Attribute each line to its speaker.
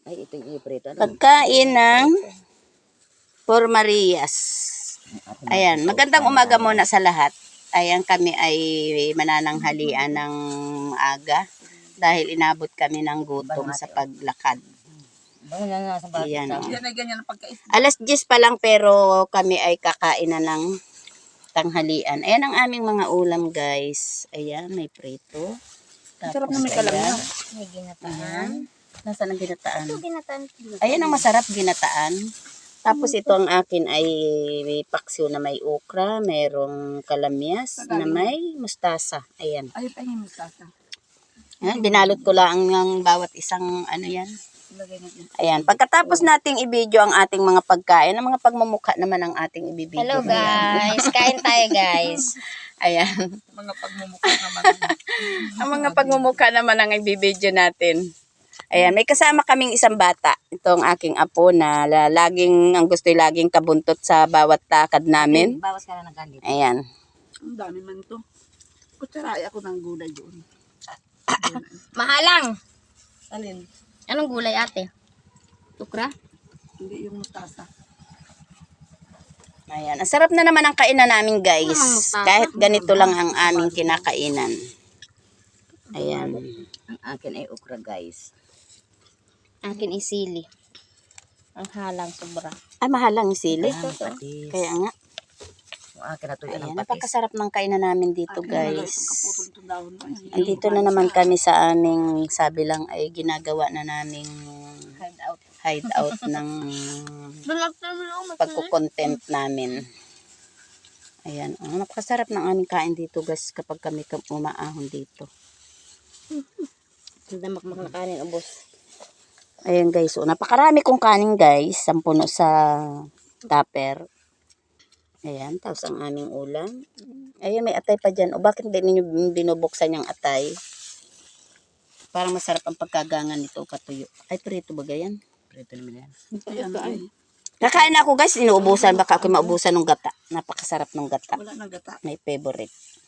Speaker 1: Ay, ito yung iprito.
Speaker 2: Pagkain ng Por Marias. Ayan, magandang umaga muna sa lahat. Ayan, kami ay manananghalian ng aga dahil inabot kami ng gutom sa paglakad. Ayan. Alas 10 pa lang pero kami ay kakain na ng tanghalian. Ayan ang aming mga ulam, guys. Ayan, may prito.
Speaker 1: Sarap na may kalamya.
Speaker 3: May ginataan.
Speaker 2: Ayan. Nasaan ang ginataan?
Speaker 3: Ito ginataan.
Speaker 2: Ayan ang masarap, ginataan. Tapos ito ang akin ay may paksiw na may okra, mayroong kalamyas na may mustasa. Ayan.
Speaker 1: Ay, pa yung mustasa.
Speaker 2: Ayan, binalot ko lang ng bawat isang ano yan.
Speaker 1: Lagay natin.
Speaker 2: Ayan. Pagkatapos nating i-video ang ating mga pagkain, ang mga pagmumukha naman ang ating i-video.
Speaker 3: Hello guys, kain tayo guys.
Speaker 2: Ayan.
Speaker 1: Mga pagmumukha naman.
Speaker 2: Ang mga pagmumukha naman ang i-video natin. Ayan, may kasama kaming isang bata. Ito ang aking apo na laging, ang gusto'y laging kabuntot sa bawat takad namin.
Speaker 3: Bawas ka na ng kandit.
Speaker 2: Ayan.
Speaker 1: Ang dami man to. Kutsaray ako ng gulay doon.
Speaker 3: Mahalang.
Speaker 1: Alin?
Speaker 3: Anong gulay ate? Tukra?
Speaker 1: Hindi yung mustasa.
Speaker 2: Ayan. Ang sarap na naman ang kainan namin, guys.
Speaker 3: Mustasa.
Speaker 2: Kahit ganito lang ang aming kinakainan. Ayan. Ang akin ay okra, guys.
Speaker 3: Akin isili. Ang halang sobra.
Speaker 2: Ay, mahal lang yung sili.
Speaker 1: Patis.
Speaker 2: Kaya nga.
Speaker 1: Yung akin na to yan
Speaker 2: Ayan,
Speaker 1: ang patis.
Speaker 2: napakasarap ng kainan namin dito, guys.
Speaker 1: Kaputol itong dahon mo.
Speaker 2: Andito na naman kami sa aming, sabi lang ay ginagawa na naming hideout ng pagkukontent namin. Ayan, napakasarap ng aming kain dito, guys, kapag kami umaahon dito.
Speaker 3: Damakmak na kanin ubos.
Speaker 2: Ayan, guys, so napakarami kong kanin, guys, sampuno sa tupper. Ayan, tapos ang aming ulam. Ayan, may atay pa dyan. O bakit hindi ninyo binubuksan yung atay? Parang masarap ang pagkagangan nito, katuyo. Ay, prito ba ganyan?
Speaker 1: Prito naman yan.
Speaker 2: Kakain na ako, guys, inuubusan. Baka ako maubusan ng gata. Napakasarap ng gata.
Speaker 1: Wala nang gata.
Speaker 2: May favorite.